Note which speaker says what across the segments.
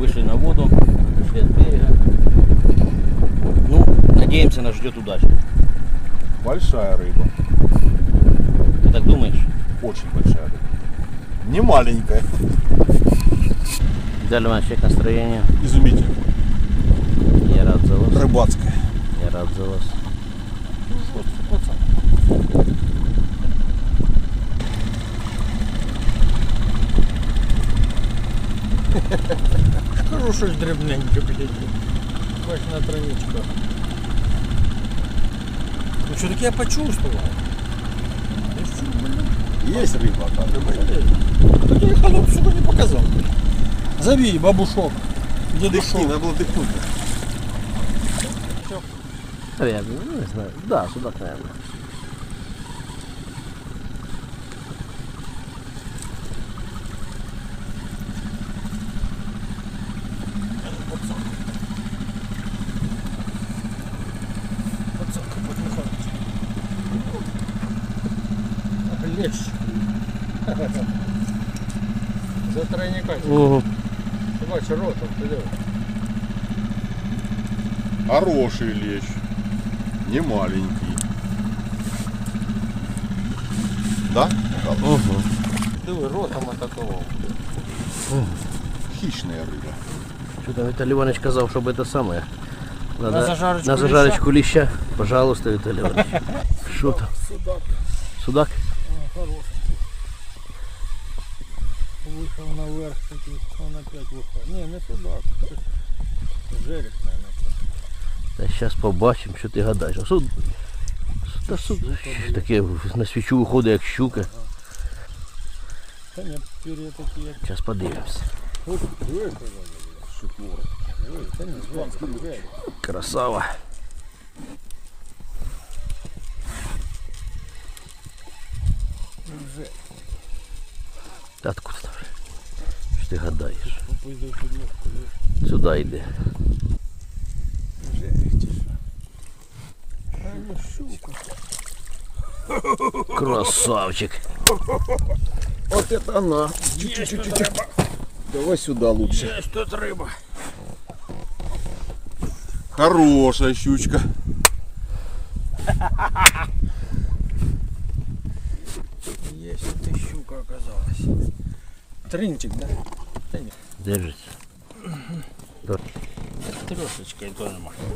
Speaker 1: Вышли на воду, вышли от берега. Ну, надеемся, нас ждет удача.
Speaker 2: Большая рыба.
Speaker 1: Ты так думаешь?
Speaker 2: Очень большая рыба. Не маленькая.
Speaker 1: Далее у нас check настроение.
Speaker 2: Изумительно.
Speaker 1: Я рад за вас.
Speaker 2: Рыбацкая.
Speaker 1: Я рад за вас.
Speaker 3: Скажу, щось дрібненьке, блядь. Бач на травичках. Ну что-таки я почувствовал.
Speaker 2: Есть рыба, оказывается.
Speaker 3: Так я холоп сука не показал. Зови бабушок. Дедушок.
Speaker 2: Надо было дыхнуть.
Speaker 1: Наверное, ну, не знаю. Да, судак, наверное.
Speaker 3: Лещ. За тройника.
Speaker 1: Угу.
Speaker 3: Ты бачиш ротом, ти диви.
Speaker 2: Хороший лещ. Не маленький. Да?
Speaker 1: Угу.
Speaker 3: Диви, ротом атакував.
Speaker 2: Хищная рыба.
Speaker 1: Что-то Виталий Иванович сказал, чтобы это самое. Надо
Speaker 3: На зажарочку
Speaker 1: зажарочку леща. Пожалуйста, Виталий Иванович. Что там?
Speaker 3: Судак.
Speaker 1: Судак?
Speaker 3: Хороший. Вийшов наверх такий, он опять виходить. Ні, не судак. Жерех, наверное.
Speaker 1: Та зараз побачимо, що ти гадаєш. А таке на свічу виходить, як щука.
Speaker 3: Та ні, пер'я такі, як...
Speaker 1: Зараз подивимося.
Speaker 3: Та ні, жерех.
Speaker 1: Красава. Та откуда там? Що ти гадаєш? Сюди йди. Красавчик.
Speaker 2: Вот это она. Чуть-чуть. Давай сюда лучше.
Speaker 3: Есть тут рыба.
Speaker 2: Хорошая щучка.
Speaker 3: Есть тут и щука оказалась. Тринчик, да? Да нет.
Speaker 1: Держится.
Speaker 3: Трешечкой тоже можно.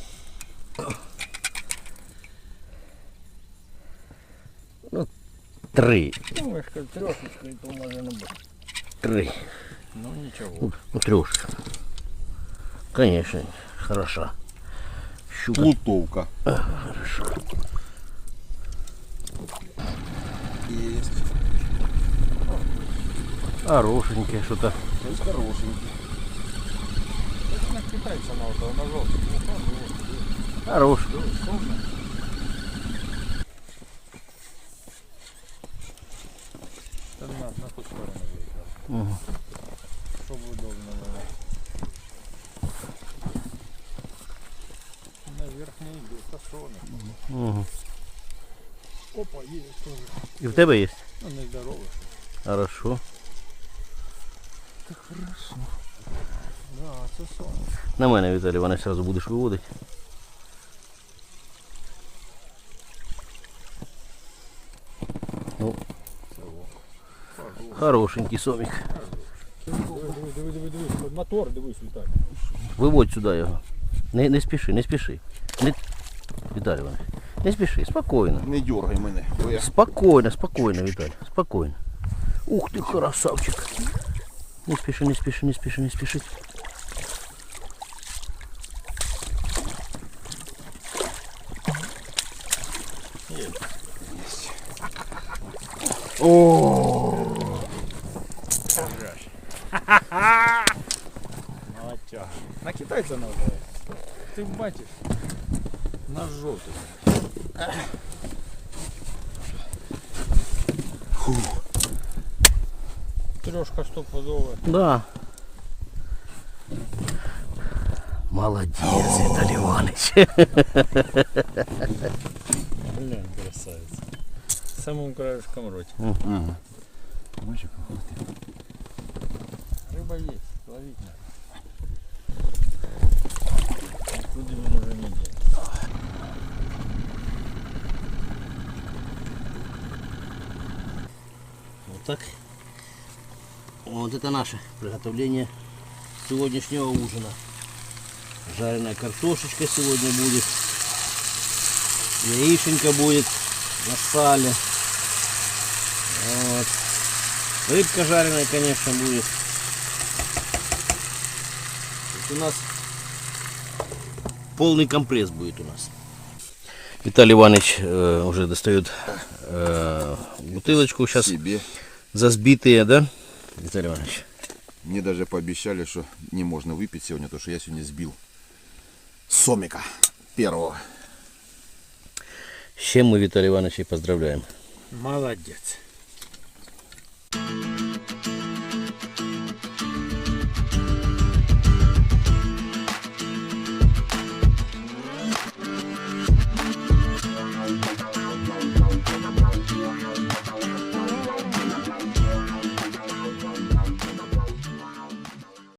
Speaker 1: Три.
Speaker 3: Ну, я скажу, трешечкой то можно быть.
Speaker 1: Три.
Speaker 3: Ну ничего.
Speaker 1: Ну, трешка. Конечно, хороша. Щука.
Speaker 2: Плутовка.
Speaker 1: Хорошо.
Speaker 2: Есть.
Speaker 1: Хорошенькая что-то.
Speaker 2: То есть хорошенький.
Speaker 3: Это на китайца на вот на желтый.
Speaker 1: Хорош.
Speaker 3: На ту сторону.
Speaker 1: Угу.
Speaker 3: Чтобы удобно было. Наверх не идет, а
Speaker 1: Угу.
Speaker 3: Опа, есть тоже.
Speaker 1: И в тебе есть?
Speaker 3: Ну, не здоровый.
Speaker 1: Хорошо.
Speaker 3: Так хорошо. Да, це сон.
Speaker 1: На мене, Віталій Іванович, одразу будеш виводити. Ну, хорошенький сомик.
Speaker 3: Диви. Мотор, дивись, Віталій.
Speaker 1: Виводь сюди його. Не спіши, не спіши. Віталій Іванович, не спіши, спокійно.
Speaker 2: Не дергай мене. бо я-
Speaker 1: Спокойно, Виталий, спокойно. Ух ты, красавчик. Не спеши.
Speaker 3: Молодчага. На китайця надо. Ти бачиш? На жовтий. Трешка стопудова.
Speaker 1: Да. Молодец, Виталий Иванович.
Speaker 3: Блин, красавица. Самым краешком роте.
Speaker 2: Ага.
Speaker 3: Рыба есть, ловить надо. Куди він уже не йде.
Speaker 1: Вот так. Вот это наше приготовление сегодняшнего ужина. Жареная картошечка сегодня будет. Яишенька будет на сале. Вот. Рыбка жареная, конечно, будет. То есть у нас полный компресс будет у нас. Виталий Иванович уже достает бутылочку сейчас
Speaker 2: Себе.
Speaker 1: за сбитые, да, Виталий Иванович?
Speaker 2: Мне даже пообещали, что не можно выпить сегодня, потому что я сегодня сбил сомика первого.
Speaker 1: С чем мы Виталия Ивановича и поздравляем.
Speaker 3: Молодець.